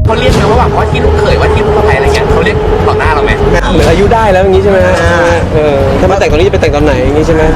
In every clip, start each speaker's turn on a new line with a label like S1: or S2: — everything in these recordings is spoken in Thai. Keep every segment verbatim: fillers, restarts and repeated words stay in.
S1: เขาเรียกไหมว่าแบบว่าที่ลูกเขยว่าที่ลูกสะใภ้อะไรเงี้ยเขาเรียกต่อหน้าเราไหม
S2: เหมือนอายุได้แล้วอย่างนี้ใช่ไหมเออถ้ามาแต่งตอนนี้จะไปแต่งตอนไหนอย่างนี้ใช่ไหม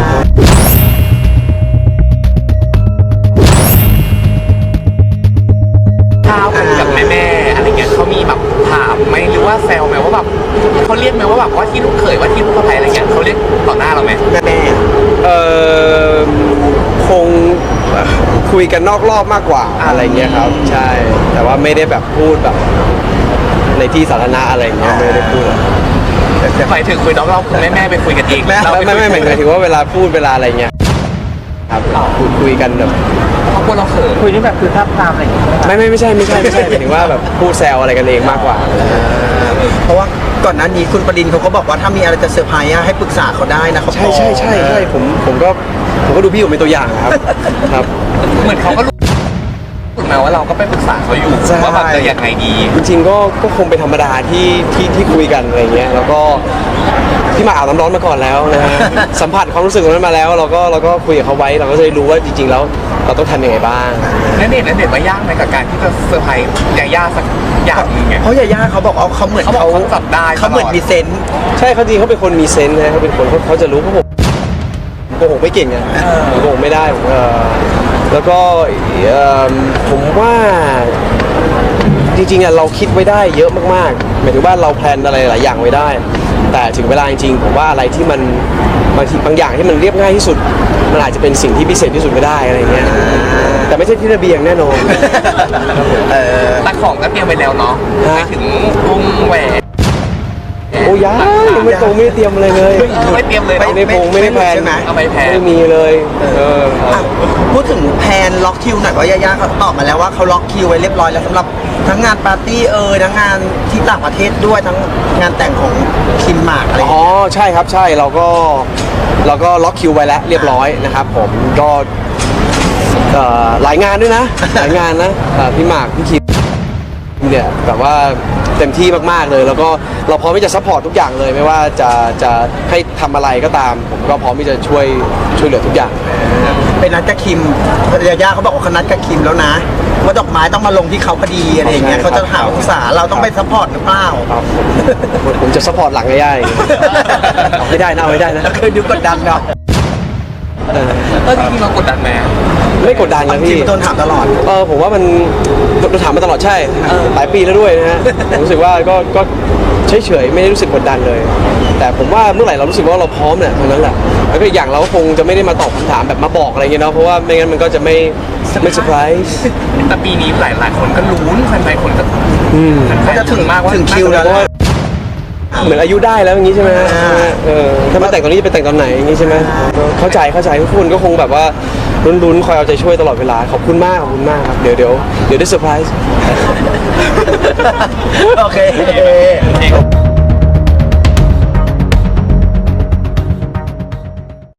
S1: ข้าวกันกับแม่แม่อะไรเงี้ยเขามีแบบถามไหมหรือว่าแซวไหมว่าแบบเขาเรียกไหมว่าแบบว่าที่ลูกเขยว่าที่ลูกสะใภ้อะไรเงี้ยเขาเรียกต่อหน้าเราไหม
S2: แม่เออคงคุยกันนอกรอบมากกว่าอะไรเงี้ยครับใช่แต่ว่าไม่ได้แบบพูดแบบในที่สาธารณะอะไรเงี้ยไม่ได้พูด
S1: หมายถึงคุยนอกรอบแม่แม่ไปคุยกันเอง
S2: ไม่ไม่ไม่หมายถึงว่าเวลาพูดเวลาอะไรเงี้ยครับคุยคุยกันแบบ
S1: เขาพูดเราเขิน
S3: คุยนี่แบบคือท่าทางอะไรอย่างเงี้ย
S2: ไม่ไม่ไม่ใช่ไม่ใช่ไม่ใช่หมายถึงว่าแบบพูดแซวอะไรกันเองมากกว่า
S4: เพราะว่าก่อนหน้านี้คุณปรินเขาก็บอกว่าถ้ามีอะไรจะเซอร์ไพรส์ให้ปรึกษาเขาได้นะเขา
S2: ใช่ใช่ใช่ใช่ผมผมก็ผมก็ดูพี่ผมเป็นตัวอย่างครับครับ
S1: เหมือนเขาก็รู้มาว่าเราก็ไปปรึกษาเขาอยู่ว่าแบบจะยังไงดี
S2: จริงๆก็ก็คงเป็นธรรมดาที่ที่ที่คุยกันอะไรเงี้ยแล้วก็พี่มาอาบน้ำร้อนมาก่อนแล้วนะฮะสัมผัสความรู้สึกตรงนั้นมาแล้วเราก็เราก็คุยกับเขาไว้เราก็จะได้รู้ว่าจริงๆแล้วเราต้องทำยังไงบ้าง
S1: นั่นเองนั่นเองว่ายากไหมกับการที่จะเซอร์ไพรส์ยาย่าสักอย่างนึงไง
S4: เพราะยาย่าเขาบอกว่าเขาเหมือน
S1: เขาเขาจับได้
S4: เขาเหมือนมีเซนส์
S2: ใช่เขาจริงเขาเป็นคนมีเซนส์นะเขาเป็นคนเขาเขาจะรู้เขาผมโกหกไม่เก่งอ่ะโกหกไม่ได้เออแล้วก็ผมว่าจริงๆอ่ะเราคิดไว้ได้เยอะมากๆหมายถึงว่าเราแพลนอะไรหลายอย่างไว้ได้แต่ถึงเวลาจริงๆผมว่าอะไรที่มันบางทีบางอย่างที่มันเรียบง่ายที่สุดมันอาจจะเป็นสิ่งที่พิเศษที่สุดก็ได้อะไรเงี้ยแต่ไม่ใช่ที่ระเบียงแน่นอน
S1: แต่ของก็เตรียมไปแล้วเนาะไปถึงกุ้งแหวน
S2: โอ้ยยังไม่ตรงไม่เตรียมอะไรเลย
S1: ไม่เตรียมเลย
S2: ไม่ได้พงไม่ได้แพลน
S1: ไม่แพลน
S2: ไม่มีเลยเออ
S4: พูดถึงแพนล็อกคิวหน่อยว่ายาย่าเขาตอบมาแล้วว่าเขาล็อกคิวไว้เรียบร้อยแล้วสำหรับทั้งงานปาร์ตี้เอ่ยทั้งงานที่ต่างประเทศด้วยทั้งงานแต่งของคิมหมากอะไร
S2: อ๋อใช่ครับใช่เราก็เราก็ล็อกคิวไว้แล้วเรียบร้อยนะครับผมก็หลายงานด้วยนะหลายงานนะพี่หมากพี่คิมเนี่ยแบบว่าเต็มที่มากๆเลยแล้วก็เราพร้อมที่จะซัพพอร์ตทุกอย่างเลยไม่ว่าจะจะให้ทำอะไรก็ตามผมก็พร้อมที่จะช่วยช่วยเหลือทุกอย่าง
S4: เป็นนัดกับคิมยาย่าเขาบอกว่าเขานัดกับคิมแล้วนะว่าดอกไม้ต้องมาลงที่เขาพอดีอะไรอย่างเงี้ยเขาจะหาองศาเราต้องไปซัพพอร์ตหรือเปล่า
S2: ผมจะซัพพอร์ตหลังง่ายๆไม่ได้นะไม่ได้นะ
S4: เคยดูกดดันเนาะ
S1: ก็จริงๆเรากดดันไหม
S2: ไม่กดดันนะพี่
S4: โดนถามตลอด
S2: เออผมว่ามันโดนถามมาตลอดใช่หลายปีแล้วด้วยนะฮะผมรู้สึกว่าก็ก็เฉยๆไม่ได้รู้สึกกดดันเลย แต่ผมว่าเมื่อไหร่เรารู้สึกว่าเราพร้อมเนี่ยเท่านั้นแหละแล้วก็อีกอย่างเราก็คงจะไม่ได้มาตอบคำถามแบบมาบอกอะไรเงี้ยเนาะเพราะว่าไม่งั้นมันก็จะไม่ไม่เซอร์ไพรส์
S1: แต่ปีนี้หลายๆคนก็ลุ้นแฟนๆคนก็
S4: เขาจะถึงมากว่าถึงคิวแล้ว
S2: เหมือนอายุได้แล้วอย่างนี้ใช่ไหมเออถ้ามาแต่งตอนนี้จะไปแต่งตอนไหนอย่างนี้ใช่ไหมเข้าใจเข้าใจทุกคนก็คงแบบว่าลุ้นๆคอยเอาใจช่วยตลอดเวลาขอบคุณมากขอบคุณมากครับเดี๋ยวเดี๋ยวเดี๋ยวได้เซอร์ไพรส์
S4: โอเค